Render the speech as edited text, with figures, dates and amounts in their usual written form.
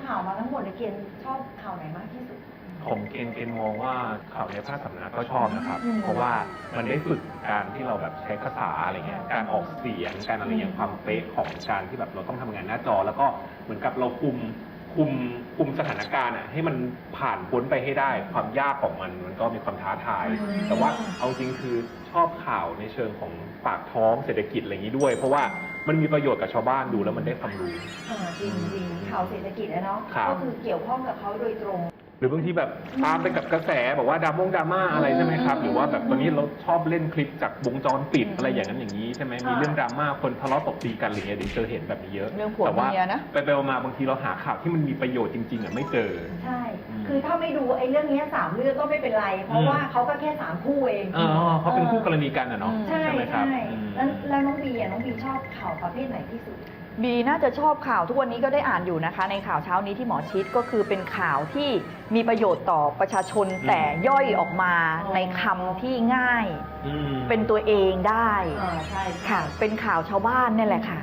ข่าวมาทั้งหมดในเกณฑ์ชอบข่าวไหนมากที่สุดผมเกณฑ์มองว่าข่าวในภาคสำนักก็ชอบนะครับ เพราะว่ามันได้ฝึกการที่เราแบบใช้ภาษาอะไรเงี้ยการออกเสียงการอะไรอย่างความเป๊ะของการที่แบบเราต้องทำงานหน้าจอ แล้วก็เหมือนกับเราคุมสถานการณ์อ่ะให้มันผ่านพ้นไปให้ได้ความยากของมันก็มีความท้าทาย แต่ว่าเอาจริงคือชอบข่าวในเชิงของปากท้องเศรษฐกิจอะไรอย่างนี้ด้วย เพราะว่ามันมีประโยชน์กับชาวบ้านดูแล้วมันได้ความรู้จริงข่าวเศรษฐกิจนะเนาะก็คือเกี่ยวข้องกับเขาโดยตรงหรือบางทีแบบตามไปกับกระแสบอกว่าดราม่าอะไรใช่ไหมครับหรือว่าแบบตอนนี้เราชอบเล่นคลิปจากวงจรปิดอะไรอย่างนั้นอย่างนี้ใช่ไหมมีเรื่องดราม่าคนทะเลาะตบตีกันอะไรเงี้ยเดี๋ยวเจอเห็นแบบนี้เยอะเรื่องผัวเมียนะไปมาบางทีเราหาข่าวที่มันมีประโยชน์จริงๆอ่ะไม่เจอใช่คือถ้าไม่ดูไอ้เรื่องนี้3 เรื่องก็ไม่เป็นไรเพราะว่าเขาก็แค่3 คู่เองเขาเป็นคู่กรณีกันอ่ะเนาะใช่ไหมครับแล้วน้องบีชอบข่าวประเภทไหนที่สุดบีน่าจะชอบข่าวทุกวันนี้ก็ได้อ่านอยู่นะคะในข่าวเช้านี้ที่หมอชิดก็คือเป็นข่าวที่มีประโยชน์ต่อประชาชนแต่ย่อยออกมาในคำที่ง่ายเป็นตัวเองได้ค่ะเป็นข่าวชาวบ้านนี่แหละค่ะ